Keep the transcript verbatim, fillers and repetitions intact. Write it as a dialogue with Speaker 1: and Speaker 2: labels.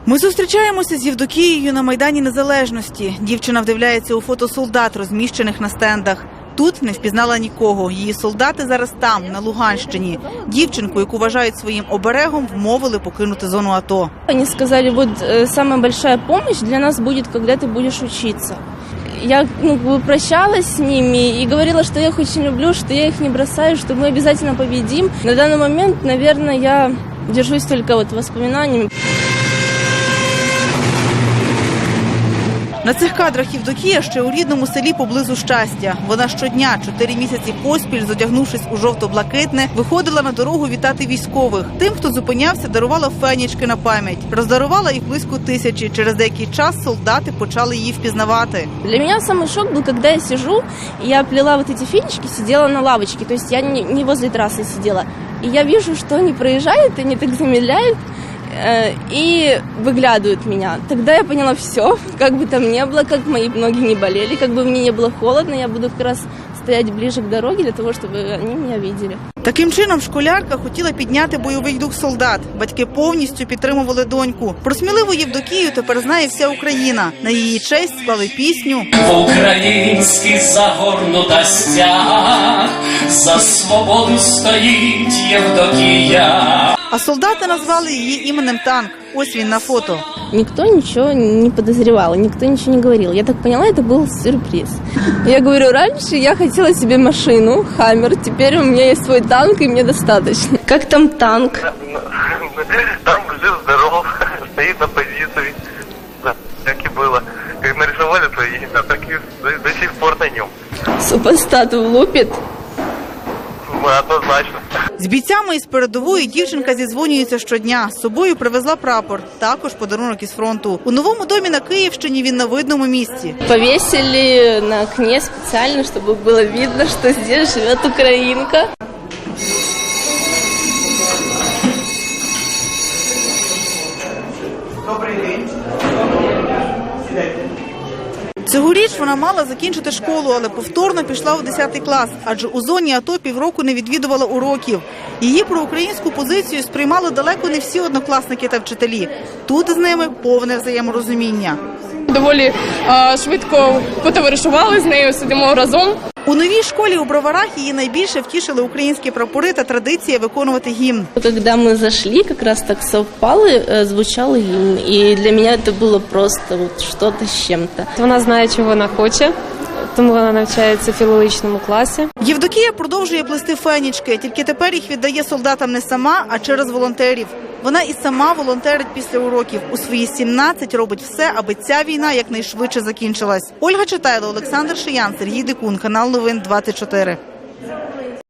Speaker 1: Ми зустрічаємося з Євдокією на Майдані Незалежності. Дівчина вдивляється у фото солдат, розміщених на стендах. Тут не впізнала нікого. Її солдати зараз там, на Луганщині. Дівчинку, яку вважають своїм оберегом, вмовили покинути зону АТО.
Speaker 2: Вони сказали, вот самая большая помощь для нас будет, когда ты будешь учиться. Я ну, прощалась с ними и говорила, что я их очень люблю, что я их не бросаю, что мы обязательно победим. На данный момент, наверное, я держусь только вот воспоминаниями.
Speaker 1: На цих кадрах Євдокія ще у рідному селі поблизу Щастя. Вона щодня, чотири місяці поспіль, зодягнувшись у жовто-блакитне, виходила на дорогу вітати військових. Тим, хто зупинявся, дарувала фенічки на пам'ять. Роздарувала їх близько тисячі. Через деякий час солдати почали її впізнавати.
Speaker 2: Для меня самый шок был, когда я сижу, и я плела вот эти фенечки, сидела на лавочке. То есть я не, не возле трассы сидела. И я вижу, что они проезжают, они так замедляют и выглядывают меня. Тогда я поняла все, как бы там ни было, как мои ноги не болели, как бы мне не было холодно, я буду как раз стоять ближе к дороге для того, чтобы они меня видели.
Speaker 1: Таким чином школярка хотіла підняти бойовий дух солдат. Батьки повністю підтримували доньку. Про сміливу Євдокію тепер знає вся Україна. На її честь склали пісню
Speaker 3: «Український загорнута стяг, за свободу стоїть Євдокія».
Speaker 1: А солдати назвали її іменем Танк. Ось він на фото.
Speaker 2: Никто ничего не подозревал, никто ничего не говорил. Я так поняла, это был сюрприз. Я говорю, раньше я хотела себе машину, Хаммер, теперь у меня есть свой танк, и мне достаточно. Как там танк?
Speaker 4: Там жив-здоров, стоит на позиции, да, как и было. Как нарисовали, то и да, так и до, до сих пор на нем.
Speaker 2: Супостат влупит.
Speaker 4: Однозначно.
Speaker 1: З бійцями із передової дівчинка зідзвонюється щодня. З собою привезла прапор, також подарунок із фронту. У новому домі на Київщині він на видному місці.
Speaker 2: Повесили на окне специально, чтобы было видно, что здесь живет украинка.
Speaker 1: Добрий день. Цьогоріч вона мала закінчити школу, але повторно пішла у десятий клас, адже у зоні АТО півроку не відвідувала уроків. Її проукраїнську позицію сприймали далеко не всі однокласники та вчителі. Тут з ними повне взаєморозуміння.
Speaker 5: Доволі а, швидко потоваришували з нею, сидимо разом.
Speaker 1: У новій школі у Броварах її найбільше втішили українські прапори та традиція виконувати гімн.
Speaker 2: Когда мы зашли, как раз так совпало, звучал гимн. И для меня это было просто вот что-то с чем-то.
Speaker 6: Вона знає, чого вона хоче, тому вона навчається в філологічному класі.
Speaker 1: Євдокія продовжує плести фенічки, тільки тепер їх віддає солдатам не сама, а через волонтерів. Вона і сама волонтерить після уроків. У свої сімнадцять робить все, аби ця війна якнайшвидше закінчилась. Ольга Читайло, Олександр Шиян, Сергій Дикун, канал Новин двадцять чотири.